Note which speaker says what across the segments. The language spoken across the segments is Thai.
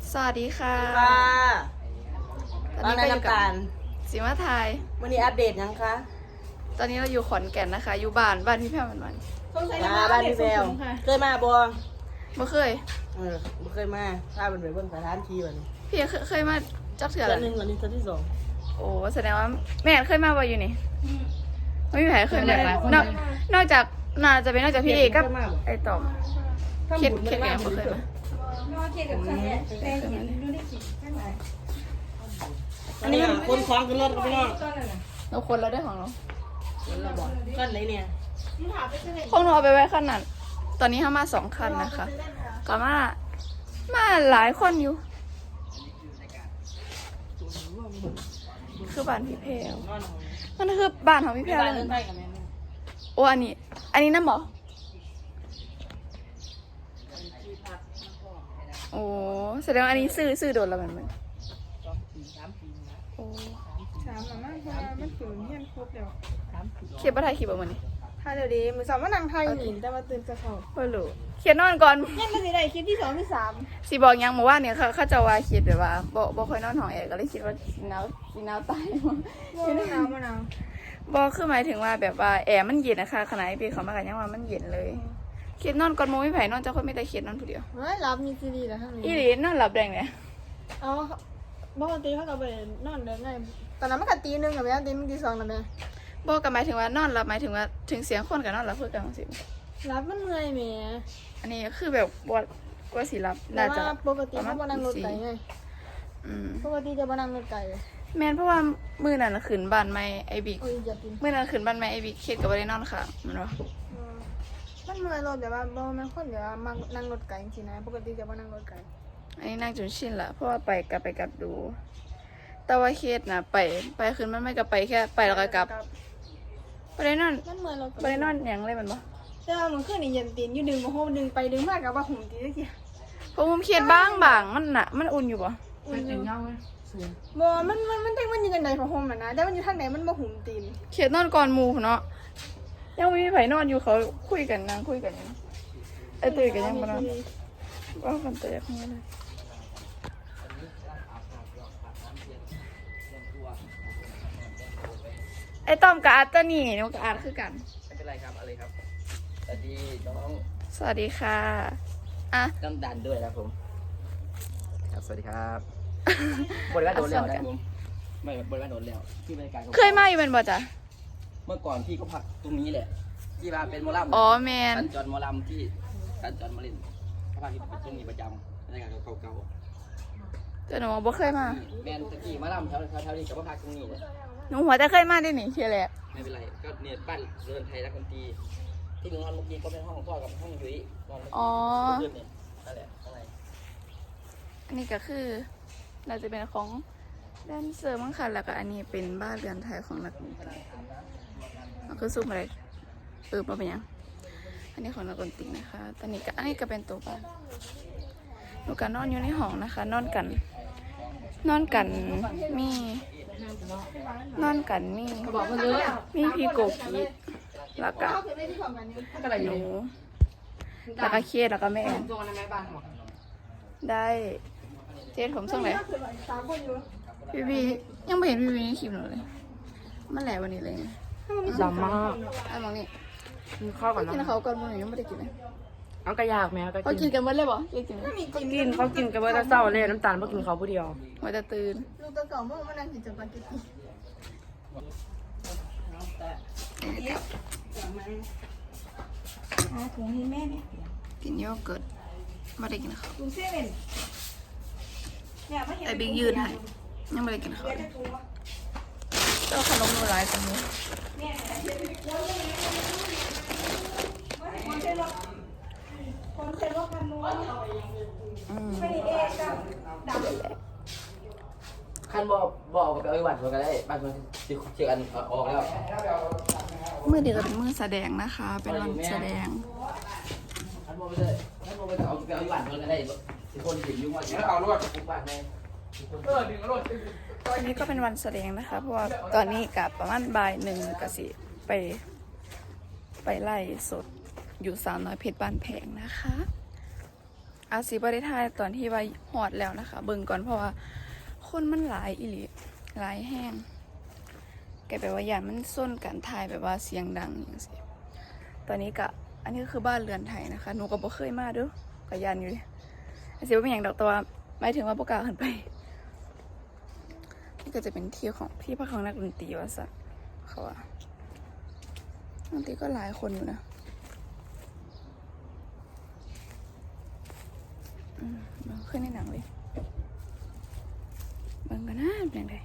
Speaker 1: สวัสดีค่ะ
Speaker 2: ค่ะ
Speaker 1: ตอน
Speaker 2: บ้าน
Speaker 1: นี้
Speaker 2: ใน
Speaker 1: ก็อยู่
Speaker 2: น้ำ
Speaker 1: กับ
Speaker 2: ตาล
Speaker 1: สิมาไทย
Speaker 2: วันนี้อัปเดตยังคะ
Speaker 1: ตอนนี้เราอยู่ขอนแก่นนะคะ อยู่บ้านพี่แพรมัน
Speaker 2: บ้านพี่แววเคยมาบัว
Speaker 1: บ่เคย
Speaker 2: บ่เคยมาพาเป็นไปเบิ่งสถานที่วันนี้
Speaker 1: พี่เคยมาจักเถื่อ
Speaker 2: เดื
Speaker 1: แล้
Speaker 2: อนหนึ่งวันนี้เดือนที่สอง
Speaker 1: โอ้แสดงว่าแม่เคยมาบ่อยู่นี่ไม่มีใครเคยมานอกจากน่าจะเป็นนอกจากพี่เอกกับไอ้ตอมเครียดแก่บ่เคยมา
Speaker 2: อันนี้คนคล้องกันรถพี่น้อง
Speaker 1: เราคนเราได้ของเรา
Speaker 2: ก้อนไหนเนี่ย
Speaker 1: คงเอาไปไว้ขั้นนั้นตอนนี้เข้ามา2 คันนะคะก็มาหลายคนอยู่คือบ้านพี่แพรวมันคือบ้านของพี่แพรว
Speaker 2: บ้าน
Speaker 1: เล
Speaker 2: เดิ
Speaker 1: ย
Speaker 2: นไปกับแม่
Speaker 1: โอ้อันนี้น้ำบอโอ้แสดงว่าอันนี้ซื้อโดนแล้วมัน
Speaker 2: 3 ปีนะ
Speaker 1: โอ้
Speaker 3: สามหลังมากเพราะว่ามันฝืนเฮียนครบแล้ว
Speaker 1: เขียนป้าไทยขีดแบบมันนี่
Speaker 3: ถ้าเดี๋ยวดีมือสามว่านางไทยหนีแต่มาตื่นจะเขา
Speaker 1: ไม่รู้เขียนนอนก่อน
Speaker 3: ยังไม่ได้คลิปที่สองที่สาม
Speaker 1: สีบอกยังบอกว่าเนี่ยเขาจะว่าคิดแบบว่าบ่ค่อยนอนห้องแอร์ก็เลยคิดว่าสีหนาวตาย
Speaker 3: มะนาวมะนาว
Speaker 1: บอกคือหมายถึงว่าแบบว่าแอร์มันเย็นนะคะขณะที่พี่เขามากันยังว่ามันเย็นเลยคิดนอนก่อนโมไม่ไผ่นอนเจ้าคนไม่แต่คิดนอนผู้เดียว
Speaker 3: เฮ้ยรับมีซีรีส์แล้วทั้ง
Speaker 1: อี
Speaker 3: นี้
Speaker 1: หลีนอนหลับแดงเนี่ย
Speaker 3: เอาปกติเขาเราไปนอนเดินไงตอนนั้นมันก็ตี 1กับแม่ตีมันตี 2นะแม่
Speaker 1: บอกกันหมายถึงว่านอนหลับหมายถึงว่าถึงเสียงคนกับนอนหลับเพื่อกันสิ
Speaker 3: รับมันเมื่อยแม่
Speaker 1: อันนี้คือแบบว่าสีรับ
Speaker 3: แต่
Speaker 1: น่าจะ
Speaker 3: ว่าปกติเขาบนั่งรถไก่ไง
Speaker 1: อืม
Speaker 3: ปกติจะบนั่งรถไก่
Speaker 1: แม่นเพราะว่ามือนั้นน่ะขึ้นบ้านไม่ไอบิ๊ก
Speaker 3: โอ้ยอย่ากิน
Speaker 1: มือนั้นขึ้นบ้านไม่ไอบิ๊กเครียดกับว่าได้นอนค่ะมันวะ
Speaker 3: มันเมื่อยรถแต่ว่าบ่แม่นคนเดี๋ยวมานั่งรถไก่จริงๆนะปกติจะบ่นั่งรถไก่
Speaker 1: อันนี้นั่งจนชินละเพราะว่าไปกลับดู แต่ว่าเครียดนะไปขึ้นมันไม่กลับไปแค่ไปแล้วก็กลับไปได้นอน
Speaker 3: มันเมื่อยรถ
Speaker 1: ไปได้นอนอย่างไรมันบ่
Speaker 3: แต่ว่ามันขึ้นนี่เย็นตีนอยู่ดึงมาโฮมดึงไปดึงมากกับว่าหุ่มตีได้กี่
Speaker 1: เพราะผมเครียดบางมันน่ะมันอุ่นอยู่บ่
Speaker 3: อุ่นอยู่บ่มันเด้งมันอยู่กันใดพอโฮมอ่ะนะแต่มันอยู่ทางไหนมันบ่หุ่มตีน
Speaker 1: เครียดนอนก่อนหมู่เนาะยังไม่มีไผนอนอยู่เขาคุยกันนั่งคุยกันอยู่ไอ้ตื่นกันยังบ่นอนว่ากันแต่ยังไม่เลยไอ้ต้อมกับอาร์ตตัวนี่หนูกับอาร์ตคือกัน
Speaker 4: ไม่เป็นไรครับอะไรครับสวัสดีน้อง
Speaker 1: สวัสดีค่ะอ่ะ
Speaker 4: น้ำดันด้วยนะครับผมครับสวัสดีครับบริการโดนแล้วนะครับผมไม่บริการโดนแล้วที่บริการ
Speaker 1: เคยมาอยู่เป็นบ่จ๊ะ
Speaker 4: เมื่อก่อนพี่ก็พักตรงนี้แหละที่ว่าเป็นหมอลำ
Speaker 1: อ๋อแมน
Speaker 4: สัญจรหมอลำที่สัญจรมาเล่นเขาพักที่ตรงนี้ประจำในการเก่า
Speaker 1: แต่หนูบ่เคยมา
Speaker 4: ๆแมนตะกี้หมาลำแถวนี้กับพักตรงนี้เลย
Speaker 1: หนูหัวจะเคยมาได้หนิเชียร์แหละ
Speaker 4: ไม่เป็นไรก็เนี่ยบ้านเรือนไทยรักดนตรีที่หนูนอนเมื่อกี้ก็เป็นห้องพ่อกับห้องยุ้ยนอนเมื่อ
Speaker 1: อ๋อ
Speaker 4: กี้เนี่ยนั่นแหละข้างใน
Speaker 1: อันนี้ก็คือน่าจะเป็นของแดนเซอร์มั้งค่ะแล้วก็อันนี้เป็นบ้านเรือนไทยของนักดนตรีมันคือซุ่มอะไรมาเป็นยังอันนี้ของนักดนตรีนะคะตอนนี้ก็อันนี้ก็เป็นตัวบ้านหนูก็นอนอยู่ในห้องนะคะ นอนกันมีนอนกันมีพี่โกกีแล้วก็หนูแล้วก็เครียดแล้วก็แม่ได้เจ๊ผมส่งไหน
Speaker 3: 3คนอยู่
Speaker 1: พี่ยังไม่เห็นพี่ในคลิปหนูเลยมันแหละวันนี้เลย
Speaker 5: ดำมาก
Speaker 1: ไอ้มองนี่
Speaker 5: กินข้าวก่อน
Speaker 1: กิน
Speaker 5: นะ
Speaker 1: เขาก่อนมึงยังไม่ได้กินเลย
Speaker 5: เอากระยากแมวก็
Speaker 1: เขากิ
Speaker 5: กิ
Speaker 1: น
Speaker 5: น
Speaker 1: กันหมดเลยบ่กิน
Speaker 5: เขากินกันเบอร์เศร้าเลยน้ำตาลเพราะกินเขาผู้เดียว
Speaker 1: หัวจะตื่น
Speaker 3: ลูกตัวเก่าเมื่อมันนั่งกินจับปาเกตตี้ถุงให้แม่เนี่ย
Speaker 1: กินโยเกิร์ตไม่ได้กินเขา
Speaker 3: ถุงเซเว่นเนี่ยไม่เห็น
Speaker 1: ไอ้บิ๊กยืนให้ยังไม่ได้กินเขาเลยเจ้าขนมหนูหลายจังเลย
Speaker 3: คนเซ็นรถคันนู้น
Speaker 1: อืม
Speaker 3: ไม่ได้เองกับดับ
Speaker 4: คันบอกกับไอ้หวัดมันก็ได้บ้านมันจะเชื่อกันออกแล้ว
Speaker 1: มือเดียวก็เป็นมือแสดงนะคะ เป็นวันแสดง
Speaker 4: คันบอกไปเลยคันบอกไปเอาไอ้หวัดมันก็ได้ทุกคนเห็นยุ่งว่าเอารถทุกบ้านใน
Speaker 1: วันนี้ก็เป็นวันแสดงนะคะ เพราะว่าตอนนี้กับประมาณบ่าย1ก็สิไปไล่สดอยู่สาวน้อยเพชรบ้านแพงนะคะอาซีบ่ได้ถ่ายตอนที่ว่าฮอดแล้วนะคะ เบิ่งก่อนเพราะว่าคนมันหลายอีหลีหลายแห้งแกแบบว่าอย่างมันส้นกันถ่ายแบบว่าเสียงดังอย่างสิตอนนี้ก็อันนี้ก็คือบ้านเรือนไทยนะคะหนูก็บ่เคยมาเด้อก็ยานอยู่ดิอาซีว่าเป็นอย่างดอกแต่ว่าหมายถึงว่าบ่กล้าขึ้นไปนี่ก็จะเป็นที่ของที่พักของนักดนตรีว่าซะเขาว่าดนตรีก็หลายคนอยู่นะมันขึ้นในหนังเลยบางกันนะเป็นยังไง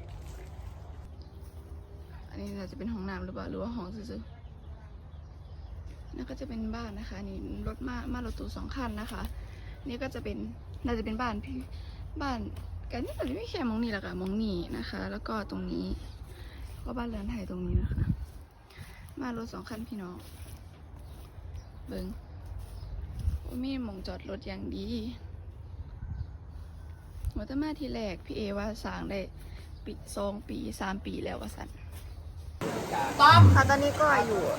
Speaker 1: อันนี้จะเป็นห้องน้ำหรือเปล่าหรือว่าห้องซื่อๆนั่นก็จะเป็นบ้านนะคะนี่รถมารถตู้2 คันนะคะนี่ก็จะเป็นน่าจะเป็นบ้านพี่บ้านกันนี่ก็ไม่แค่มองนี่แหละค่ะมองนี่นะคะ แล้วก็ตรงนี้ก็บ้านเรือนไทยตรงนี้นะคะ มารถ2 คันพี่น้องเบิ้งว่ามีหมองจอดรถอย่างดีหัวตะมาทีแรกพี่เอว่าสร้างได้ปี2 ปี 3 ปีแล้วว่าสันต้อมค่ะตอนนี้ก็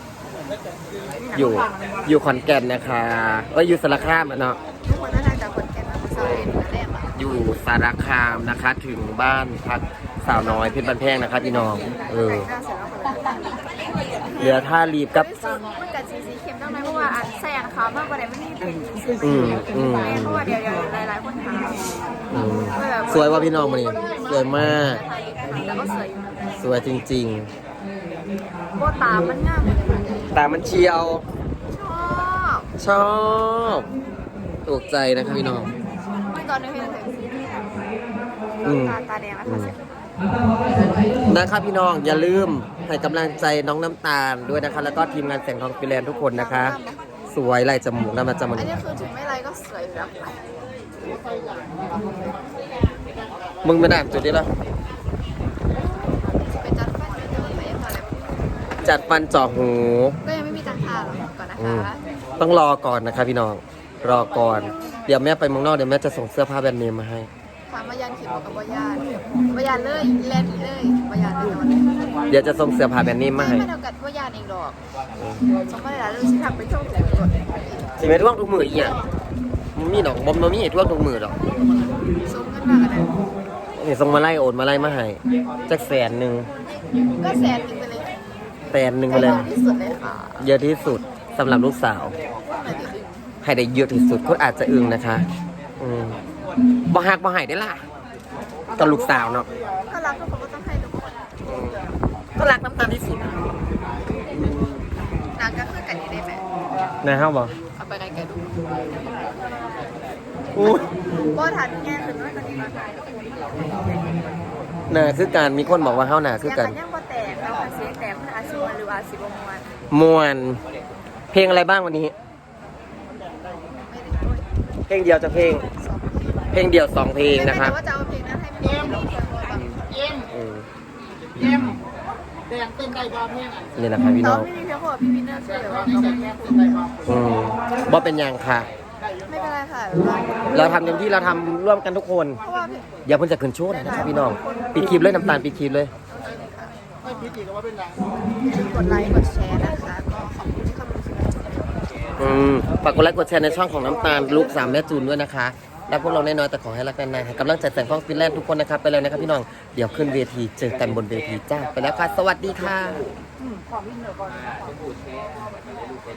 Speaker 4: อยู่ขอนแก่นนะคะอยู่สารคามเนาะ
Speaker 1: ทุกคนน่าจะจากคนแก่นมาเซาเอ็นมาแรกอะ
Speaker 4: อยู่สารคามนะคะ ถึงบ้านพักสาวน้อยเพชรบ้านแพงนะคะพี่น้อง
Speaker 1: หน้าเสร็จแล้วคนละ
Speaker 4: เหลือท่ารีบกับ
Speaker 1: มันกับสีเข็มต้องไหมเพราะว่าอันแซงเขามากกว่าไหนไม่ได้เป็น เพราะว่าเดี๋ยวหลายคนถาม
Speaker 4: สวยว่าพี่น้องมานี่สวยมาก
Speaker 1: แล้วก็สวย
Speaker 4: สวยจริง
Speaker 1: โบตามันงาม
Speaker 4: ๆตามันเชียว
Speaker 1: ชอบ
Speaker 4: ถูกใจนะคะพี่น้อง
Speaker 1: ไม่ตอนนี้เห็นเลยตาแดงแล้วค่ะ
Speaker 4: นะคะพี่น้องอย่าลืมให้กำลังใจน้องน้ำตาลด้วยนะคะ แล้วก็ทีมงานแสงทองฟิแลนด์ทุกคนนะคะ สวยลายจมูกน้ำมันจมูก
Speaker 1: อันนี้คือถึงไม่ไรก็สวยแบบ
Speaker 4: มึงไปด่านจุดนี้แล้ว
Speaker 1: ไปจัดฟันเยอะๆไปพอแล้ว
Speaker 4: จัดฟันเจาะหู
Speaker 1: ก็ยังไม่มีตังค่าหรอกก่อนนะคะ
Speaker 4: ต้องรอก่อนนะคะพี่น้องรอก่อนเดี๋ยวแม่ไปเมืองนอกเดี๋ยวแม่จะส่งเสื้อผ้าแบรนด์เนมมาให้
Speaker 1: ถามว่ายานขีดบอกกับว่ายานเลยแลนด์เลยว่ายานเลย
Speaker 4: เดี๋ยวจะส่งเสื้อผ้าแบรนด์เนมมาให้
Speaker 1: ไม่เท่ากับว่ายานเองดอกสมมติว่าเราสิทำไปช่วงไหนก่อน
Speaker 4: สิไม่ท่วงทุกมืออีกอย่างมันมีดอกบอมมันมีท่วงทุกมือดอก
Speaker 1: ส่งเงินมากันเลย
Speaker 4: นี่ส่งมาไล่โอนมาไล่มาให้จัก100,000
Speaker 1: ก็แสนนึงไปเลย
Speaker 4: 100,000ไปเลย
Speaker 1: ที่สุดเลยค่ะ
Speaker 4: เยอะที่สุดสำหรับลูกสาว ให้ได้เยอะที่สุดก็อาจจะอึ้งนะคะบ่หักบ่ให้ได้ล่ะกับลูกสาวเนาะ
Speaker 1: ก็รักทุกคนก็ต้องให้ทุกคน
Speaker 4: ก็รักน้ำตาลที่สุด
Speaker 1: นางก็คือกันนี้ได้ไหม
Speaker 4: นะครับบอก
Speaker 1: เอาไปไกลๆดู
Speaker 4: อู้
Speaker 1: ก็ทันแง่คือน้อยกว่านี้มาได้
Speaker 4: หนาคือการมีคนบอกว่าเฮาหนาคือกัน
Speaker 1: ยังบ่แตกแล้วเสียงแตกมันอาชีพหรืออาชีพมวน
Speaker 4: มวนเพลงอะไรบ้างวันนี้ เพลงเดียวจะเพลง เพลงเดียว2 เพลงนะครับ
Speaker 1: แต่ว่าจะเอาเพลงนั้นให้มันเป็นเพลงแบบ
Speaker 3: แดงเต้นได้บ้าเพลงอ่ะ
Speaker 4: นี่แหละครับพี่
Speaker 1: น้
Speaker 4: น้
Speaker 1: อ
Speaker 4: อง ง
Speaker 1: ไม่มีเพลงของพี่วินเนอร์ช่วยหรือว่า
Speaker 4: บ่เป็นอย่างค่ะ
Speaker 1: ไม่เป็นไรค่ะ
Speaker 4: เราทำเต็มที่เราทำร่วมกันทุกคน
Speaker 1: เพราะว่า
Speaker 4: อย่าเพิ่งจะขึ้นโชว์นะครับพี่น้องปิดคลิปเลยน้ำตาลปิดคลิปเลย
Speaker 3: ไม่พิจิตรก็ว่าเป็นไร
Speaker 1: กดไลค์กดแชร์นะคะก็ขอบคุณที่เข้ามาดู
Speaker 4: ฝากกดไลค์กดแชร์ในช่องของน้ำตาลลูก3แม่จูนด้วยนะคะรักพวกเราแน่นอนแต่ขอให้รักนานๆให้กำลังใจแสงทองฟินแลนด์ทุกคนนะครับไปเลยนะครับพี่น้องเดี๋ยวขึ้นเวทีเจอกันบนเวทีจ้าไปแล้วค่ะสวัสดีค่ะ